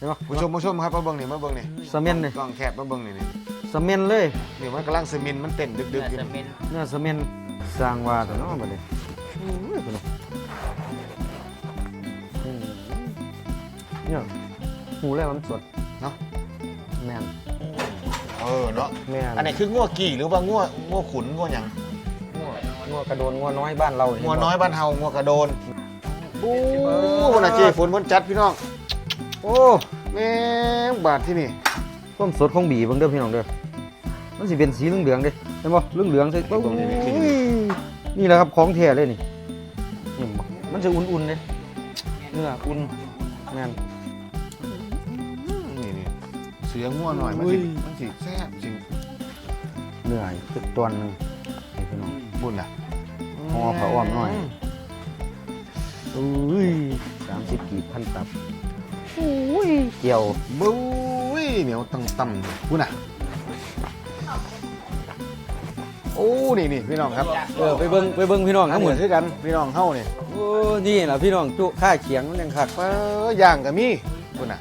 ช่ปะผู้ชมครับมาเบิ่งนี่สเมนเลยกล้องแคบมาเบิ่งนี่สเมนเลยนี่มันกำลังสมินมันเต้นดึกๆอยู่เนื้อสเมนสร้างว่าแต่เนาะบัดนี้เนี่ยหูแล้วมันสดเนาะแม่นเนาะแม่นอันไหนคืองัวกี่หรือว่างัวขุนงัวหยังงัวกระโดนงัวน้อยบ้านเรางัวน้อยบ้านเฮางัวกระโดนโอ้คนน่ะเจ้ฝนจัดพี่น้องโอ้แม่งบาดที่นี่ต้มสดของบีเบิ่งเด้อพี่น้องเด้อมันสิเป็นสีเหลืองๆเด้เห็นบ่เหลืองๆใส่นี่แหละครับของแท้เลยนี่นี่บ่มันจะอุ่นๆเด้เนื้ออุ่นแม่นนี่เสืองัวหน่อยมันสิแซ่บจริงเนื้ออีกตัวนึงนี่พี่น้องบุญล่ะห่อผ้าอ้อมหน่อยอุ้ย30กีบพันตับอุ้ยเกี่ยวบุ้ยเหนียวต่ำๆบุญน่ะโอ้นี่พี่น้องครับไปเบิ่งพี่น้องทั้ทั้งงหหมมดดคือกันพี่น้องเฮานี่โอ้นี่ล่ะพี่น้องจุค่าเขียงมันยังคักย่างก็มีบุญน่ะ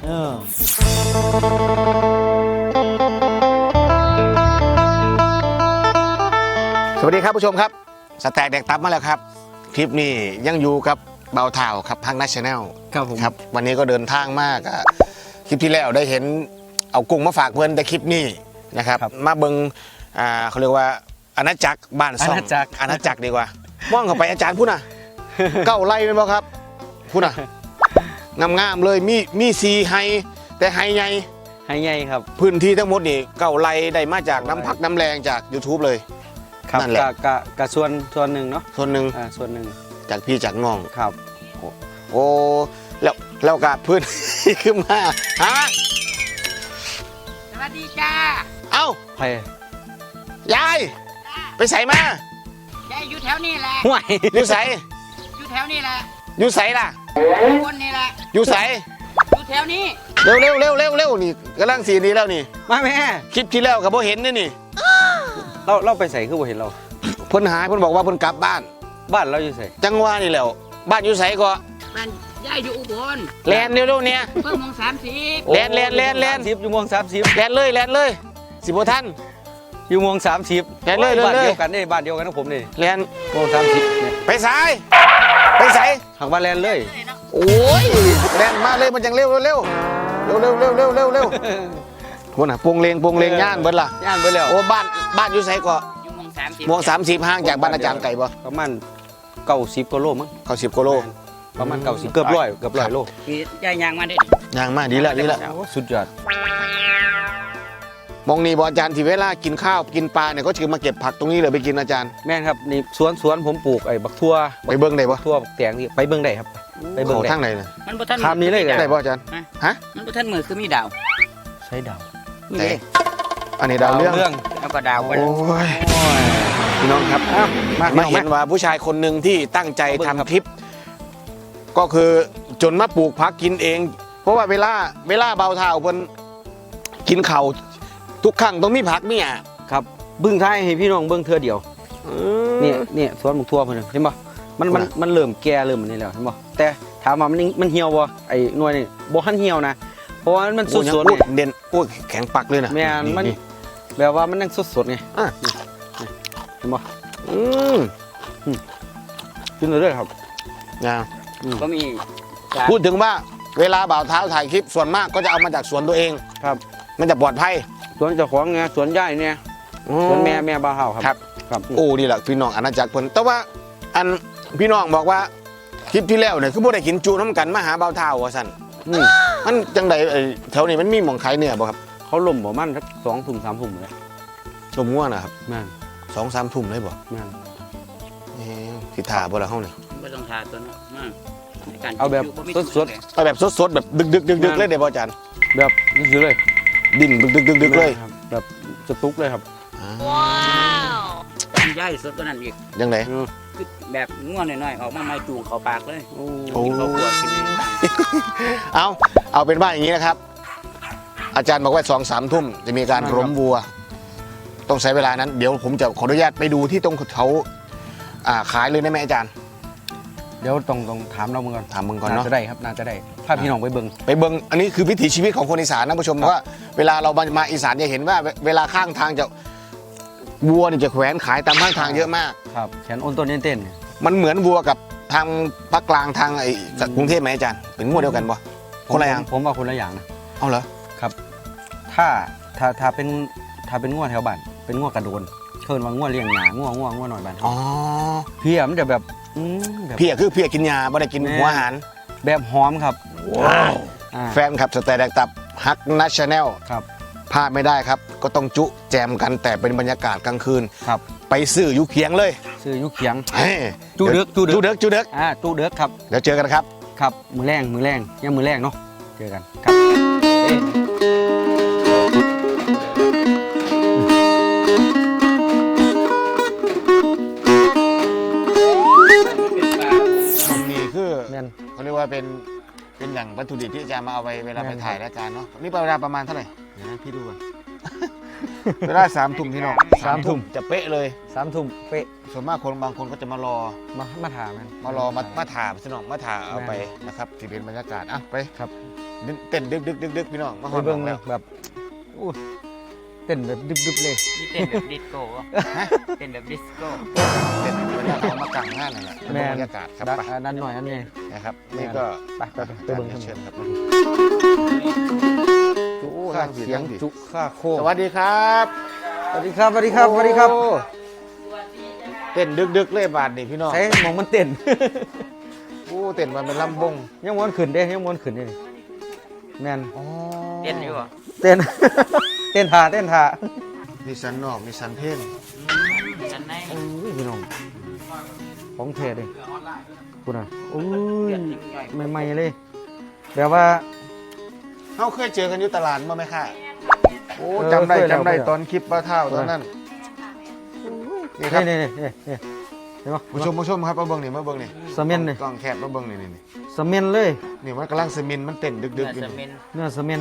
สวัสดีครับผู้ชมครับสแต็กแดกตับมาแล้วครับคลิปนี้ยังอยู่กับเบาเท่าครับพังนัชแนลครับผมครับวันนี้ก็เดินทางมากคลิปที่แล้วได้เห็นเอากุ้งมาฝากเพื่อนแต่คลิปนี้นะครับมาเบิงเขาเรียกว่าอาณาจักรบ้านซ่องอาณาจักรดีกว่ามองเข้าไปอาจารย์พูดน่ะ เก้าไร่เป็นบ่ครับพูดน่ะงามๆเลยมีซีไฮแต่ไฮใหญ่ให้ใหญ่ครับพื้นที่ทั้งหมดนี่เก้าไร่ได้มาจากน้ำพักน้ำแรงจาก YouTube เลยครับนั่นแหละกะส่วนหนึ่งเนาะส่วนหนึ่งส่วนหนึ่งจากพี่จากน้องครับโอ้แล้วกับพื้น ขึ้นมาฮะสวัสดีจ้าเอ้าไปยายไปใส่มายายอยู่แถวนี้แหละห่วยอยู่ใส่อยู่แถวนี้แหละอยู่ใส่ล่ะคนนี่แหละอยู่ใส่อยู่แถวนี้เร็วนี่กำลังสีนี้แล้วนี่มาแม่คลิปที่แล้วกับพ่เห็นนี่เราไปใส่คือบ่เห็นเราเพิ่นหายเพิ่นบอกว่าเพิ่นกลับบ้านบ้านเราอยู่ใส่จังหวะนี่แหล้วบ้านอยู่ใส่ก็บ้านยายอยู่อุบลแลนเร็วๆเนี่ยเพิ่งมง30 แลน 30อยู่มง30 แลนเลยสิบ่ทันอยู่มง30 แล่นเลยบ้านเลยเดียวกันนี่บ้านเดียวกันของผมนี่แลนมง30เนี่ยไปสายไปใส่ทางบ้านแลนเลยโอ้ยแลนมาเลยมันจังเร็วคนน่ะปงเลงย่านเบิดล่ะย่านไปแล้วโอ้บ้านอยู่ไสก็อยู่มง30 ม่วง30ห่างจากบ้านอาจารย์ไก่บ่ประมาณ90กิโลมั้งเขา10กิโลประมาณ90เกือบ100โลมียายยางมาได้ดิย่างมาดีละโอ้สุดยอดมองนี่บ่อาจารย์ที่เวลากินข้าวกินปลาเนี่ยก็คือมาเก็บผักตรงนี้เลยไปกินอาจารย์แม่นครับนี่สวนผมปลูกไอ้บักทั่วไปเบิ่งได้บ่ทั่วบักแตงนี่ไปเบิ่งได้ครับไปเบิ่งเขาได้ทางไหนน่ะมันบ่ทันคำนี้เลยได้บ่อาจารย์ฮะมันบ่ทันมือคือมีดาวใช้ดาวนี่ไหนเด้อันนี้ดาวเรื่องแล้วก็ดาวโอ้กันยพี่น้องครับ มาเห็นว่าผู้ชายคนหนึ่งที่ตั้งใจทำคลิป ก็คือจนมาปลูกผักกินเอง เพราะว่าเวลาเบาเท้าเพิ่นกินข้าวทุกครั้งต้องมีผักเนี่ยครับเบิ่งท้ายให้พี่น้องเบิ่งเทื่อเดียวเนี่ยสวนบักทั่วเพิ่นเห็นบ่มันเริ่มแก่เริ่มอันนี้แล้วเห็นบ่แต่ถามว่ามันเหี่ยวบ่ไอ้หน่วยนี่บ่ทันเหี่ยวนะเพราะว่ามันสดๆนี่เด่นโอ้ยแข็งปักเลยนะแม่นมันแบบว่ามันยังสดๆไงอ่ะเห็นบ่อืมกินเลยครับนะก็มีพูดถึงว่าเวลาบ่าวเท้าถ่ายคลิปส่วนมากก็จะเอามาจากสวนตัวเองครับมันจะปลอดภัยสวนเจ้าของไงสวนยายเนี่ยสวนแม่บ้าวเฮาคครัรับ บครับโอ้ดีแหละพี่น้องอาณาจักรเพิ่นแต่ว่าอันพี่น้องบอกว่าคลิปที่แล้วเนี่ยคือบ่ได้กินจูน้ำกันมาหาบ่าวเท้าว่าซั่นมันจังใดแถวนี้มันมีหม่องขายเนื้อบ่ครับเขาล่มประมาณสัก2 ทุ่ม 3 ทุ่มเลยลมง่วนะครับแม่น 2-3 ทุ่มเลยบ่แม่นสิท่าบ่ล่ะเฮาเนี่ยบ่ต้องทาตัวเนาะมาในการเอาแบบบ่มีสดเอาแบบสดๆแบบดึกๆเลยเด้บ่อาจารย์แบบนี่คือเลยดิ้นดึกๆเลยครับแบบสตุ๊กเลยครับยายสดกว่านั้นอีกจังไดคือแบบง่วงหน่อยๆออกมาไม่จูงเข้าปากเลยโอ้กินข้าวคั่วกินนี่เอาเป็นว่าอย่างนี้นะครับ อาจารย์บอกว่า2-3 ทุ่มจะมีการล้มวัว ต้องใช้เวลานั้นเดี๋ยวผมจะขออนุญาตไปดูที่ตรงเขาขายเลยได้ไหมอาจารย์เดี๋ยวต้องถามเราเมื่อก่อนถามมึงก่อนเนาะจะได้ครับน่าจะได้พาพี่น้องไปเบิ่งไปเบิ่งอันนี้คือวิถีชีวิตของคนอีสานนะผู้ชมว่าเวลาเรามาอีสานจะเห็นว่าเวลาข้างทางจะวัวนี่จะแขวนขายตามข้างทางเยอะมากครับแขนอ้นต้นเต้นมันเหมือนวัวกับทางภาคกลางทางไอ้กรุงเทพไหมอาจารย์เป็นวัวเดียวกันปะคนละอย่างผมว่าคนละอย่างนะเอาเหรอครับถ้าเป็นง่วแถวบ้านเป็นง่วกระโดนเคินว่าง่วเลี้ยงหนาง่วหน่อยบ้านอ๋อเพียมันจะแบบแบบเพียคือเพียกินยาไม่ได้กินหัวอาหารแบบหอมครับว้าวอ่าแฟนขับสแตนแดกตับฮักนัชชาแนลครับพลาดไม่ได้ครับ ก็ต้องจุแจมกันแต่เป็นบรรยากาศกลางคืนครับไปซื้ออยู่เคียงเลยซื้อยุเขียงเฮ้ยจูเด็กจูเด็กจูเด็กครับเดี๋ยวเจอกันครับครับมือแรงยังมือแรงเนาะเจอกันครับนี่คือแม่นเขาเรียกว่าเป็นอย่างวัตถุดิบที่อาจารย์มาเอาไปเวลาไปถ่ายรายการเนาะนี่เวลาประมาณเท่าไหร่เดี๋ยวนะพี่ดูก่อน เวลา3 ทุ่มพี่น้อง 3 ทุ่มจะเป๊ะเลย 3 ทุ่มเป๊ะส่วนมากคนบางคนก็จะมารอมาถามมันมาถามพี่น้องมาถ่าเอาไปนะครับที่เป็นบรรยากาศอ่ะไปครับเต้นดึกพี่น้องมาหไปอดเบิ่งแล้วแบบอู้เต้นแบบดึบๆเลยนี่เต้นแบบดิสโก้วะเต้นแบบดิสโก้เต้นเวลาเขามากางงานนั่นแหละเป็นบรรยากาศครับไปนั่นหน่อยอันนี้นะครับนี่ก็ไปเบิ่งกันเชิญครับจุค่าเสียงจุค่าโคสวัสดีครับสวัสดีครับสวัสดีครับสวัสดีครับโอ้เต้นดึกเลยบาทนี่พี่น้องใช้มองมันเต้นโอ้เต้นมันเป็นลำบงยังม้วนขึ้นเด้ยังม้วนขึ้นนี่แมนเต้นอยู่วะเต้น เต้นท่ามีสันนอกมีสันเพ่นกันไหนโอ้ยพี่น้องของแท้เลยคุณอ่ะโอ้ยใหม่ๆเลยแบบว่าเขาเคยเจอกันอยู่ตลาดมาไหมค่ะโอ้เออจำได้เคยแล้วจำได้เคยแล้วตอนคลิปป้าเท่าตอนนั้นนี่ครับนี่เห็นปะผู้ชมครับมาเบิ้งนี่มาเบิ้งนี่สะเม็นนี่กล้องแคบมาเบิ้งนี่นี่สะเม็นเลยนี่มันกำลังสมินมันเต้นดึกเนื้อๆอยู่สมินี่นเนื้อสะเม็น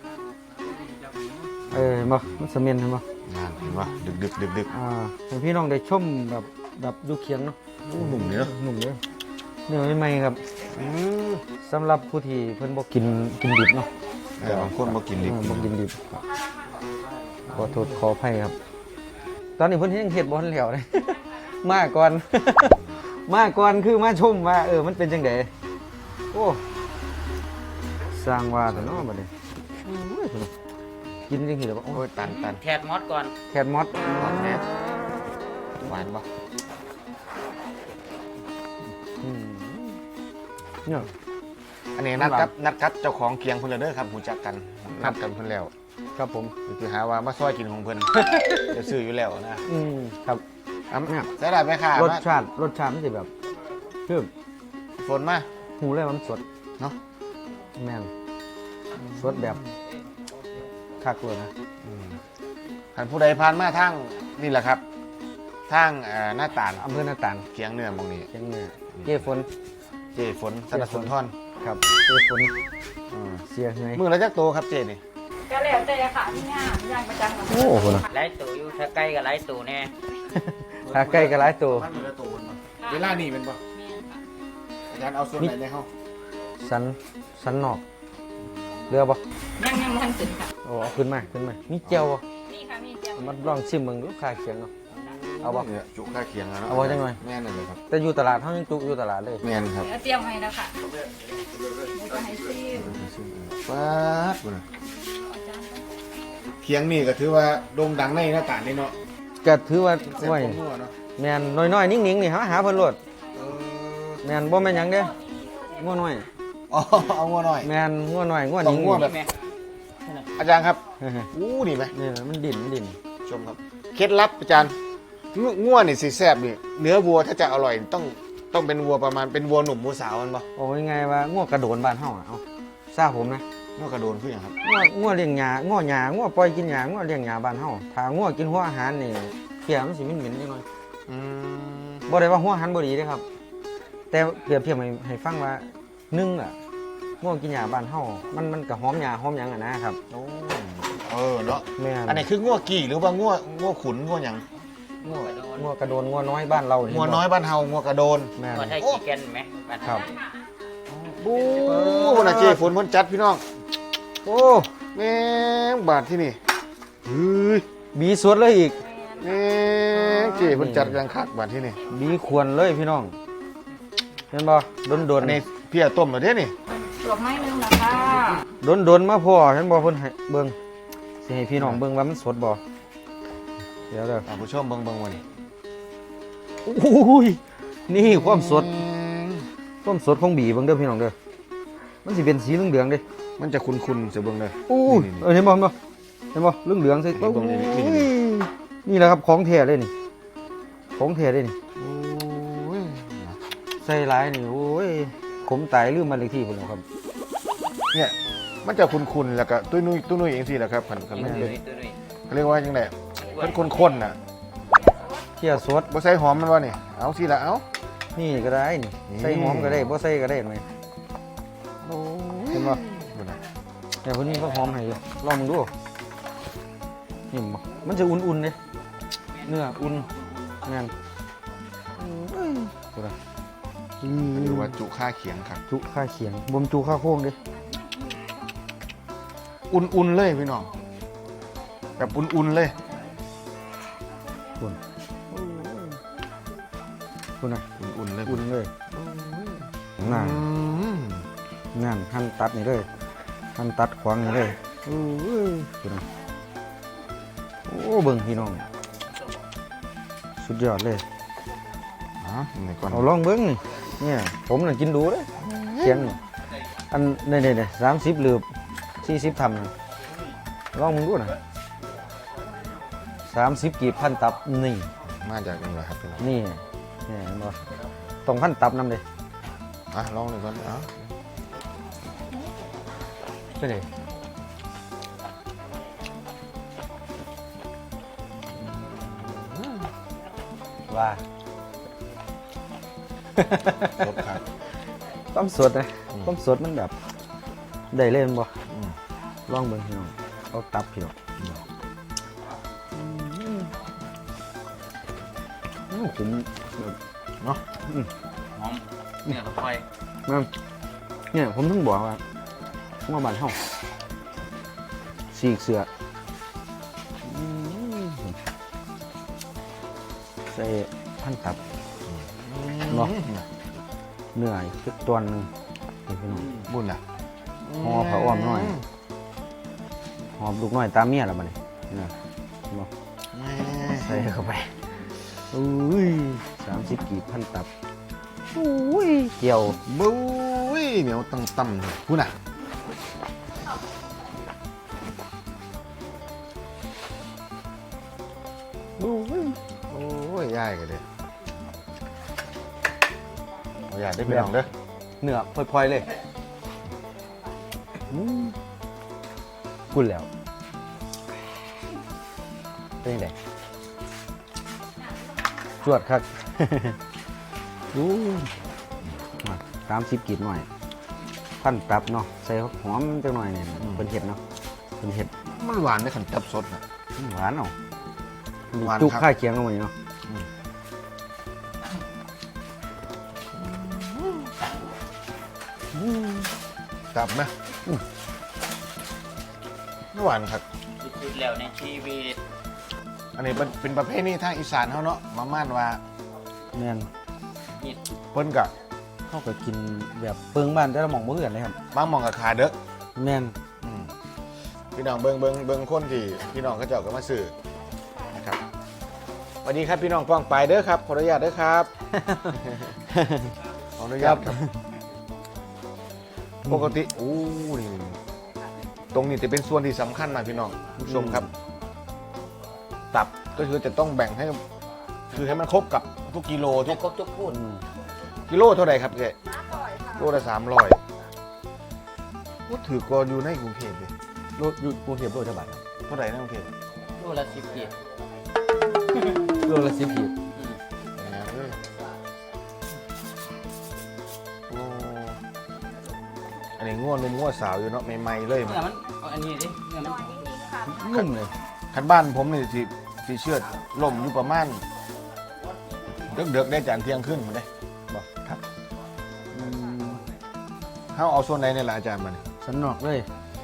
เห็นปะมันสะเม็นเห็นปะนั่นเห็นปะดึกให้พี่น้องได้ชมแบบดูเคียงเนาะหนุ่มเนาะหนุ่มเลยเนื้อใหม่ๆครับอืมสำหรับผู้ที่เพิ่นบ่กินดิบเนาะบางคนบ่กินดิบบ่กินดิบขอโทษขออภัยครับ ตอนนี้เพิ่นยังเฮ็ดบ่ทันแล้วเลย มาก่อน มาก่อนคือมาชมว่ามันเป็นจังไดโอ้สร้างว่าแต่เนาะบัดนี้โอ้ยเพิ่นกินจังซี่แล้วบ่โอ้โอ้ยยตันแทดมอสก่อนแคทมอสหวานแน่หวานปะอืมเนี่ยอันนี้นัดครับเจ้าของเคียงเพิ่นเลยเด้อครับหูจักกันนัดกันเพิ่นแล้วครับผมคือหาว่ามาซอยกินของเพิ่น จะซื้ออยู่แล้วนะครับเนี่ยใส่ได้ไหมค่ะรสชาติมันสิแบบคือฝนมาหูเลยว่ามันสดเนาะแม่นสดแบบคักเลยนะท่านผู้ใดผ่านมาทางนี่แหละครับทางหน้าตาลอำเภอหน้าตาลเคียงเนื้อหมองนี้เชียงเหนือเจ้ฝนเจฝนสนับสนุนท่อนครับเจ้ฝนอืมเสียเหนื่อยมือละจักโตครับเจนี่ก็แล้วแต่ค่ะพี่ย่างประจำของโอ้โหนะไล่ตูอยู่ถ้าใกล้กับไล่ตูแน่ถ้าใกล้ก็หลายตัวมันมือละโตมันเวลานี่เป็นปะอาจารย์เอาส่วนไหนในห้องสันนอกเรือบ่ยังมันถึงค่ะโอ้เอาขึ้นมามีเจียวบ่นี่ค่ะมีเจียวมันลองชิมมึงลูกค้าเขียงเนาะเอาบ่เนี่ยจุค่าเคียงแล้วเนาะเอาไว้จังหน่อยแม่นเลยครับแต่อยู่ตลาดเฮายังจุอยู่ตลาดเลยแม่นครับเดี๋ยวเตรียมให้แล้วค่ะจะให้ซีมป๊าดบ่น่ะเคียงนี่ก็ถือว่าโด่งดังในหน้าตาลนี่เนาะก็ถือว่าแซ่บไว้กว่าหัวเนาะแม่นน้อยๆนิ่งๆนี่หาเพิ่นโลดเออแม่นบ่แม่นหยังเด้งัวน้อยอ๋อเอางัวหน่อยแม่นงัวน้อยงัวต้องนิ่งงัวแบบแม่อาจารย์ครับเฮ้ยอู้ดีไหมๆนี่มันดิ่นชมครับเคล็ดลับอาจารย์งัวนี่สิแซ่บนี่เนื้อวัวถ้าจะอร่อยต้องเป็นวัวประมาณเป็นวัวหนุ่มวัวสาวมันปะโอ้ยไงว่างัวกระโดนบ้านเฮาอะเอาทราบผมนะงัวกระโดนคืออย่างครับงัวเลี้ยงหญ้างัวปล่อยกินหญ้างัวเลี้ยงหญ้าบ้านเฮาถ้างัวกินหัวอาหารนี่เพียมันสิเหม็นๆจังหน่อยอืมบ่ได้ว่าหัวอาหารบ่ดีเด้ครับ แต่เปรียบเทียบให้ฟังว่า1อ่ะงัวกินหญ้าบ้านเฮามันก็หอมหญ้าหอมหยังอ่ะนะครับโอ้เออเนาะแม่นอันนี้คืองัวกี่หรือว่างัวขุนงัวหยังงัวกระโดนงัวน้อยบ้านเรานี่งัวน้อยบ้านเฮางัวกระโดนแม่นหัวไทยขี้แกนไหมบ้านครับอบู๊คนน่ะเจ๊ฝนเพิ่นจัดพี่น้องโอ้แม่งบาทที่นี่เฮ้ยบีสวดเลยอีกแม่งเจ๊เพิ่นจัดอย่างคักบาทที่นี่บีควรเลยพี่น้องเห็นบ่โดนอันนี้เพียต้มแล้วเด้นี่ตัวไม้นึงนะคะโดนมาพ่อเห็นบ่เพิ่นให้เบิ่งสิให้พี่น้องเบิ่งว่ามันสดบ่เดี๋ยวเด้อท่านผู้ชมเบิ่งวันนี้โอ้ยนี่ความสดของบีเบิ่งเด้อพี่น้องเด้อมันสิเป็นสีเหลืองๆเด้มันจะคุ้นๆเสียเบิ่งเลยโอ้ยเห็นบ่เหลืองๆใส่เบิ่งนี่นี่แหละครับของแท้เลยนี่ของแท้เลยนี่โอ้ยใส่หลายนี่โอ้ยขมตายลืมมานเลขที่พุ่นแล้วครับเนี่ยมันจะคุ้นๆแล้วก็ตุ้ยนุ้ยเองสิแหละครับคันมันเป็นตัวนี้เขาเรียกว่าจังได๋มันข้นๆน่ะเที่ยสดบ่ใส่หอมมันว่านี่เอาสิละเอานี่ก็ได้นี่นี่ใส่หอมก็ได้บ่ใส่ก็ได้ไหมโอ้ยเห็นบ่ดูนะแต่คนนี้ก็หอมให้อยู่ลองมึงดูนี่บ่มันจะอุ่นๆเด้เนื้ออุ่นแม่นดูนะหรือว่าจุค่าเขียงครับจุข้าเขียงบ่มจุข้าโค้งเด้อุ่นๆเลยพี่น้องแบบอุ่นๆเลยคุณน่ะอุ่นๆเลยอุ่นเลยอืน่ะมงานหั่นตัดนี่เลยหั่นตัดขวางนี่เลยคุณน่ะโอ้เบิ่งพี่น้องสุดยอดเลยอ๋อนี่ก่อนเอาลองเบิ้งนี่เนี่ยผมน่ะกินดูเลยเขียงนี่อันนี่30หรือ40ทำนะลองมึงดูนะ30กีบพันตับนี่มาจากนี่แหละครับพี่น้องนี่เห็นบ่ต้องพันตับนำเลยอ่ะลองหน่อยก่อนเอาไปเลยว่าครบครับความสดนะความสดมันแบบได้เล่นบ่อืมลองเบิ่งพี่น้องเอาตับพี่น้องผมเนาะหอมเนี่ยค่อยมันเนี่ยผมถึงบอกว่าบ้านเฮาสีกเสือใส่พันตับ เนาะ เหนื่อยสักตัวหนึงนี่พี่น้องบุญอ่ะห่อผ้าอ้อมหน่อย หอมลูกน้อยตามเมียแล้วบัดนี้นะเนาะแม่ใส่เข้าไปอุ้ย30กีบพันตับอุ้ยเกี่ยวบุ้ยเหนียวตั้มๆเลยบุญอ่ะโอ้ยย่ายกันเลยเอาอย่าได้ไปลองเด้อเนื้อพลอยๆเลยกุ่นแล้วเป็นยังไงจวดครับ ดูมา30กีบหน่อยพันตับเนาะใส่หอมจังหน่อยเนี่ยเป็นเห็ดเนาะเป็นเห็ดมันหวานได้ขันจับสดนะหวานเนาะหวานจุกครับข้าวเคียงลงไปเนาะจับไหมหวานครับสุดๆแล้วในชีวิตอันนี้เป็นประเภทนี้ทางอีสานเขาเนาะมาม่านว่าแม่นนี่เปิ้นกะเขาก็กินแบบเปิงบ้านแต่ละหม่องบ่คือกันเลยครับบางหมองกับขาเด้อแม่นอืมพี่น้องเบิ่งคนที่พี่น้องเขาเจ้าก็มาซื้อนะครับสวัสดีครับพี่น้องป้องไปเด้อครับขออนุญาตเด้อครับ ขออนุญาตครับ ปกติอู้นี่ตรงนี้จะเป็นส่วนที่สำคัญนะพี่น้องผู้ชมครับ ตับก็คือจะต้องแบ่งให้คือให้มันครบกับทุกกิโลทุทุกกครบทุกพูดกิโลเท่าไหร่ครับเจ๊โลละ300ก็ถือกรอยู่ในกรุงเทพเลยโลอยู่กรุงเทพโลเท่าบาทครับเท่าไหร่ในกรุงเทพโลละ10กีบโลละ10กีบโอ้อันนี้ง่วนนุ่มง่วสาวอยู่เนาะใหม่ๆเลยเนื้อมันเอาอันนี้ดิเนื้อมันนุ่มเลยคันบ้านผมนี่สิเชือดล่มอยู่ประมาณเดือกๆได้จานเที่ยงขึ้นมาได้บอกครับ 5 เขาเอาส่วนไหนเนี่ยล่ะอาจารย์มันสันนอกเลย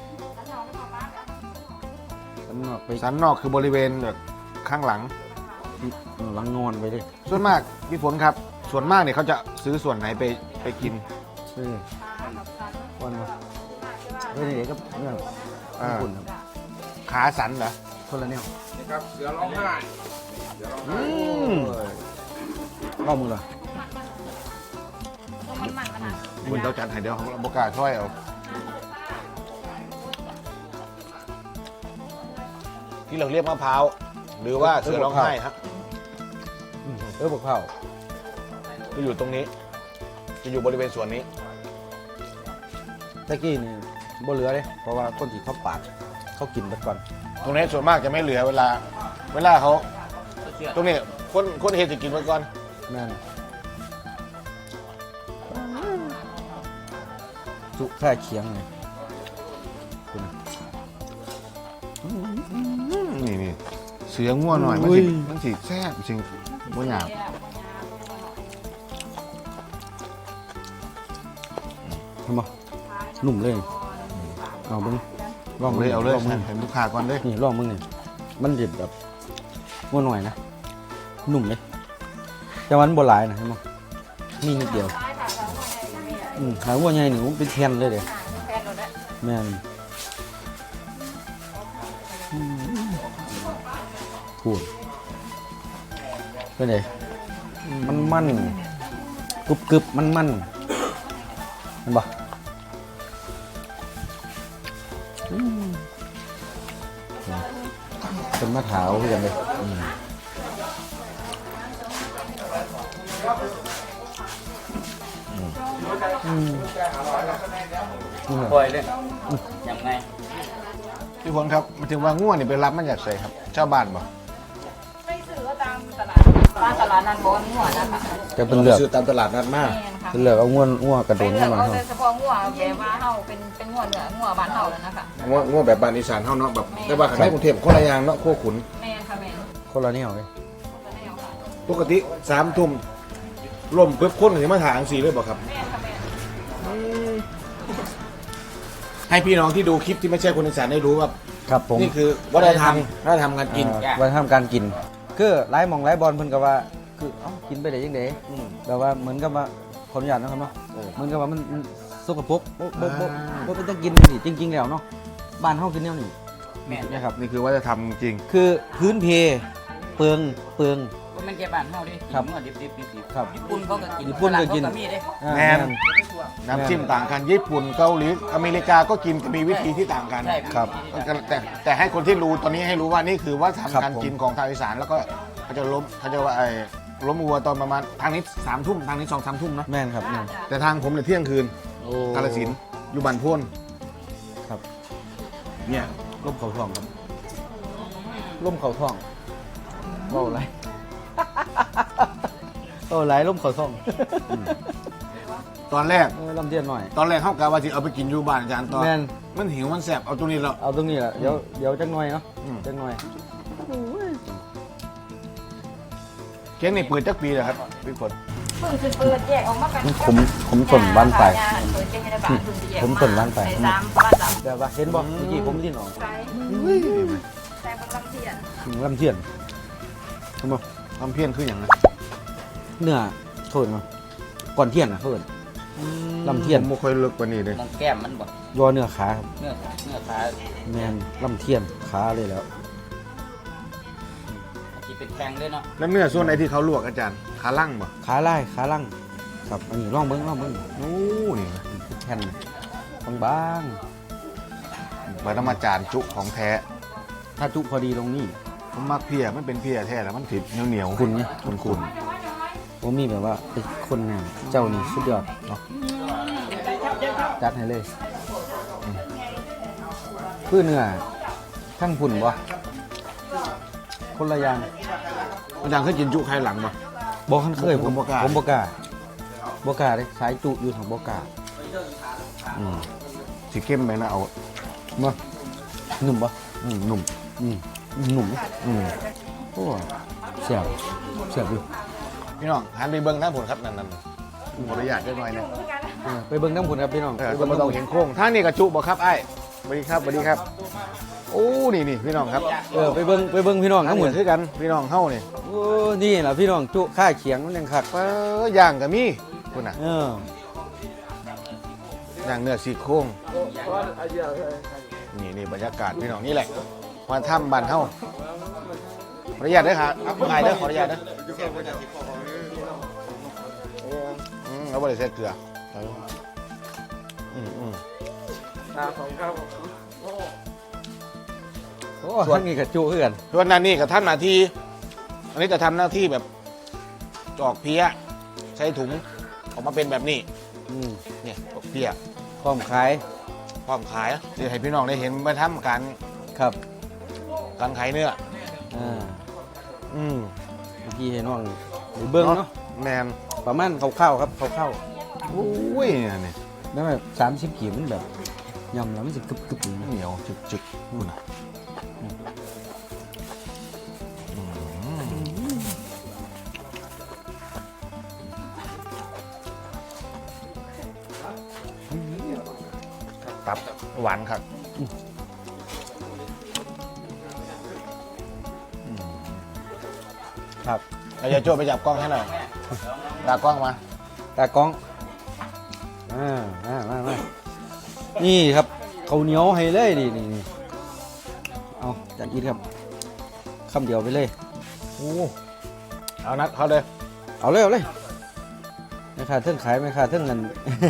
สันนอกไปสันนอกคือบริเวณแบบข้างหลังหลังงอนไปเลยส่วนมากพี่ฝนครับ ส่วนมากเนี่ยเขาจะซื้อส่วนไหนไปกินวันมาเฮ้ยเด็กก็เนี่ยอ่าคุณครับขาสันเหรอคนละแนวนี่ครับเสือร้องไห้อืมรอบมือเหรอคุณเจ้าจัดให้เดี๋ยวของเราบกล้าช่วยเอาที่เราเรียกมะพร้าวหรือว่าเสือร้องไห้ครับบอกเผาจะอยู่ตรงนี้ จะอยู่บริเวณส่วนนี้ตะกี้นี่บ่เหลือเลยเพราะว่าคนที่เขาปาดเขากินไปก่อนตรงนี้ส่วนมากจะไม่เหลือเวลาเขาเชื่อตรงนี้คนเฮจะกินไปก่อนแม่นจุแค่เคียงไงคุณนี่เสือง่วหน่อยมันสิแซ่บจริงบ่หยาบเห็นบ่นุ่มเลยเอาบึงลองเอาเลยลองมึงเห็นลูกค้าก่อนเลยนี่ลองมึงนี่มันเด็ดแบบงัวหน่อยนะนุ่มเลยแต่วันโบราณนะเห็นบ่มีนิดเดียวหาวัวใหญ่หนูเป็นแทนเลยเด้แม่นพูดเป็นไงมันกรึบมันเห็นปะเป็นมะขาวคือกันเลยปล่อยเลยยังไงพี่ฝนครับมาถึงว่าง่วนี่ไปรับมันจากใส่ครับชาวบ้านบ่ไปซื้อตามตลาดตลาดนัดบอนหัวนะคะจะเป็นเลือกซื้อตามตลาดนัดมากแม่นค่ะเป็นเลือกเอาง่วกระโดไปดเลืขึ้อกนมาเอาครับแต่เฉพาะหัวแบบว่าเฮาเป็นหัวเหนือหัวบ้านเฮาแล้วนะคะง่วแบบบ้านอีสานเฮาเนาะแบบแต่ว่าข้างในกรุงเทพคนละอย่างเนาะโคขุนแม่นค่ะแม่นคนละแนวเลยก็แนวค่ะปกติ3 ทุ่มล่มปึ๊บคนถึงมาถางสีเลยบ่ครับแม่นค่ะแม่นให้พี่น้องที่ดูคลิปที่ไม่ใช่คนอีสานได้รู้ว่าครับผมนี่คือวัฒนธรรมการกินวัฒนธรรมการกินคือไล่มองไล่บอลเพิ่นก็ว่าคือเอ้ากินไปได้ยังไงแต่ว่าเหมือนกับว่าขออนุญาตนะครับเนาะเหมือนกับว่ามันสกปรกบ่เป็นต้องกินนี่จริงๆแล้วเนาะบ้านเฮากินแนวนี้แม่นนะครับนี่คือวัฒนธรรมจริงคือพื้นเพเปลืองก็มันแก่บ้านเฮาดิครับเมื่อดิบครับญี่ปุ่นเขาก็กินญี่ปุ่นก็กินฝรั่งเขามีเด้แม่น น้ำจิ้มต่างกันญี่ปุ่นเกาหลีอเมริกาก็กินมีวิธีที่ต่างกันใช่ครับแต่ให้คนที่รู้ตอนนี้ให้รู้ว่านี่คือว่าครัทำบการผมกินของทางอีสานแล้วก็เขาจะว่าล้มวัวตอนประมาณทางนี้3 ทุ่มทางนี้2-3 ทุ่มเนอะแม่นครับแม่นแต่ทางผมเนี่ยเที่ยงคืนโอ้กาฬสินธุ์อยู่บ้านโพ่นครับเนี่ยร่มเขาทองครับร่มเขาทองเว้าไร เว้าไรร่มเขาทองตอนแรกลำเทียนหน่อยเข้ากะว่าจะเอาไปกินอยู่บ้านอาจารย์ตอนแม่นมันหิวมันแสบเอาตรงนี้แล้วเอาตรงนี้แหละเดี๋ยวจักหน่อยเนาะอืมจักหน่อยเค้กนี่เปิดจักปีเลยครับพี่ฝนเพิ่งสิเปิดแยกออกมากันผมต้นบ้านไปเปิดเป็นในบ้านเพิ่งสิแยกผมต้นบ้านไปใส่บ้าน3 เดี๋ยวว่าเห็นบอกเมื่อกี้ผมที่หนองใส่ใส่บางลำเทียนลำเทียนเห็นบอกทำเพี้ยนคืออย่างไรเนื้อเขาเห็นมั้ก่อนเทียนนะเขาเห็น ลำเทียนผมไม่ค่อยเลิกกว่านี้เลยมองแก้มมันบ่ยอเนื้อขาครับเนื้อขาแมนลำเทียนขาเลยแล้วที่เป็นแข็งด้วยเนาะแล้วเนื้อส่วนไหนที่เขาลวกอาจารย์ขาล่างบ่ขาไล่ขาล่างครับอันนี้ร่องเบิ้งโอ้นี่แผ่นบางไปต้องมาจานจุของแท้ๆถ้าจุพอดีตรงนี้ผมมักเพียมันเป็นเพียแท้แล้วมันติดเหนียวคุณไงคุณผมมีแบบว่าเป็นคนเนี่ยเจ้านี่สุดยอดเนาะจัดให้เลยคือเนื้อทั้งพุ่นบ่คนละอย่างอาจารย์เคยกินจุไข่หลังบ่บอกคันเคยผมบ่กล้าผมบอกล้าเลยสายจุอยู่ของบอกล้าสีเข้มไปนะเอามาหนุ่มปะหนุ่มหนุ่มอืมโอ้เสียบอยู่พี่น้องหันไปเบิ้งหน้าผลครับนั่นขออนุญาตได้หน่อยนะไปเบิ่งน้ำผุนครับพี่น้องเออไปก็เบิ่งบ่ต้องน้ำผุนเห็นโค้งทางนี้กระจุบ่ครับไอ้สวัสดีครับสวัสดีครับโอ้นี่พี่น้องครับไปเบิ่งพี่น้องทั้น้ำงผุหมนดคือกันพี่น้องเฮานี่โอ้นี่ล่ะพี่น้องจุค่าเขียงมันยังคักย่างก็มีคุณน่ะเออย่างเนื้อซี่โครงนี่บรรยากาศพี่น้องนี่แหละมาถ้ำบ้านเฮาขออนุญาตเด้อครับถ่ายเด้อขออนุญาตเด้อเราบ่ได้ใส่เกลือโอ้ทั้งนี้กับจุคือกันส่วนนั้นนี่กับท่านหน้าที่อันนี้จะทำหน้าที่แบบจอกเพี้ยใช้ถุงออกมาเป็นแบบนี้ เนี่ยจอกเพี้ยพร้อมขายพร้อมขายจะให้พี่น้องได้เห็นมาทำการครับการขายเนื้อเมื่อกี้เห็นว่าเบิ่งเนาะแมนประมาณคร่าวๆครับคร่าวอุ้ยนี่ๆแล้วแบบ30ขีดมันแบบยำแล้วมันจะกรึบๆอย่างเหนียวจึกนู่นน่ะตับหวานครับครับเราจะโจ้ไปจับกล้องให้หน่อยตากล้องมาตากล้องมานี่ครับข้าวเหนียวให้เลยนี่เอาจานอีทครับคำเดียวไปเลยโอ้เอานัดเขาเลยเอาเลยไม่ขาดเท่งขายไม่ขาดเท่งเงิน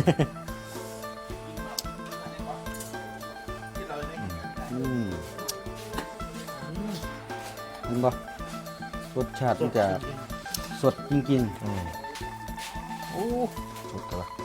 เห็นปะรสชาติมันจะสดจริงๆโอ้สุดกันละ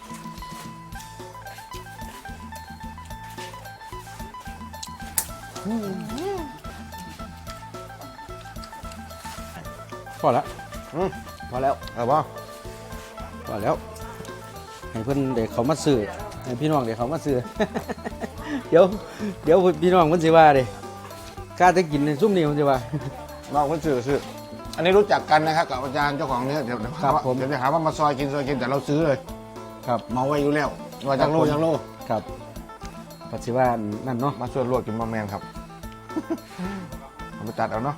พอแล้วพอแล้วเอาป่ะพอแล้ว ให้เพื่อนเด็กเขามาซื้อให้พี่น้องเด็กเขามาซื้อ เดี๋ยวพี่น้องมันสิว่าเด้กล้าจะกินในซุ่มนี้มันสิว่าน้องคนซื้ออันนี้รู้จักกันนะครับกับอาจารย์เจ้าของเนื้อเดี๋ยวครับผมเดี๋ยวจะหาว่ามาซอยกินแต่เราซื้อเลยครับเมาไว้อยู่แล้วว่าจังโลจังโลครับปัจจุบันนั่นเนาะมาช่วยลวกกินบะแมนครับ เอาไปตัดเอาเนาะ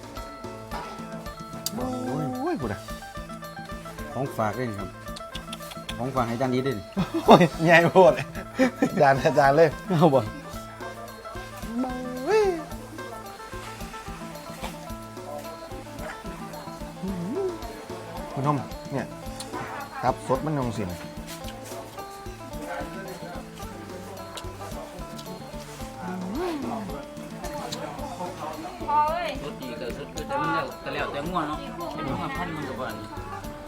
โอ้ยกูนะของฝากเลยครับของฝากให้จานนี้ด้วยโอ้ยใหญ่โพดอาจารย์เลยเอาบ่คุณทมเนี่ยครับสดมันยงสินพอเอ้ยสุดดีก็สุดคือแต่มันแล้วก็แล้วแต่ง่วงเนาะเป็นง่วงพันมันก็บ่นี่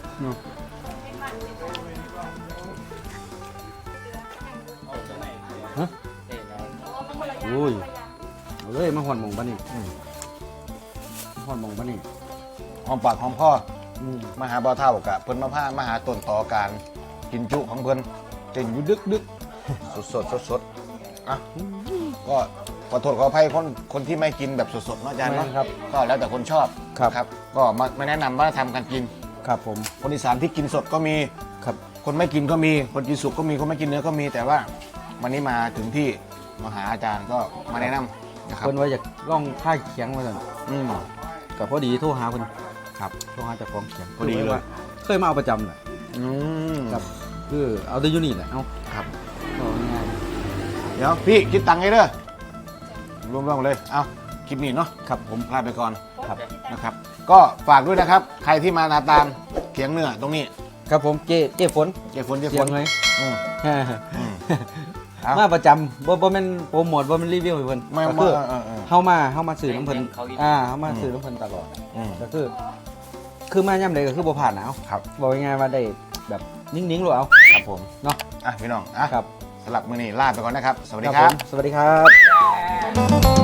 ฮะโอ้ยเอาเลยมาหอนหมองบ้านนี่หอนหมองบ้านนี่หอมปากหอมคอมาหาบ่อเท่ากะเพิ่นมาผ้ามาหาต้นต่อการกินจุของเพิ่นเต้นอยู่ดึกสดอ่ะก็ขอโทษขออภัยคนที่ไม่กินแบบสดๆเนาะอาจารย์เนาะครับก็แล้วแต่คนชอบครับก็ไม่แนะนำว่าทำกันกินครับผมคนอีสานที่กินสดก็มีครับคนไม่กินก็มีคนกินสุกก็มีคนไม่กินเนื้อก็มีแต่ว่าวันนี้มาถึงที่มาหาอาจารย์ก็มาแนะนำนะครับเพิ่นว่าอยากล่องค่ายเขียงมาสั่นอืมกับพอดีโทรหาเพิ่นครับโทรหาเจากของเขียงพอดีเลยว่าเคยมาเอาประจำแหละอืมครับคือเอาแต่อยู่นี่แหละเอาครับเอาง่ายเดี๋ยวพี่คิดตังค์ให้เด้อรวมๆเลยเอาคลิปนี้เนาะๆครับผมลาไปก่อนครับนะครับ ก็ฝากด้วยนะครับ ใครที่มานาตามเขียงเนื้อตรงนี้ครับผมเจ๊ฝนเจ๊ฝนเสียงเลยอืม เอามาประจำบ่แม่นโปรโมทบ่แม่นรีวิวให้เพิ่นไม่ก็ไม่คือ เฮามาซื้อน้ำเพิ่นเขาอีกเฮามาซื้อน้ำเพิ่นตลอดอืมก็คือมาย่ำใดก็คือบ่ผ่านหนาวครับบอกง่ายๆว่าได้แบบนิ่งๆหรอเอาครับผมเนาะอ่ะพี่น้องอ่ะครับสำหรับมื้อนี้ลาไปก่อนนะครับ สวัสดีผมครับสวัสดีครับ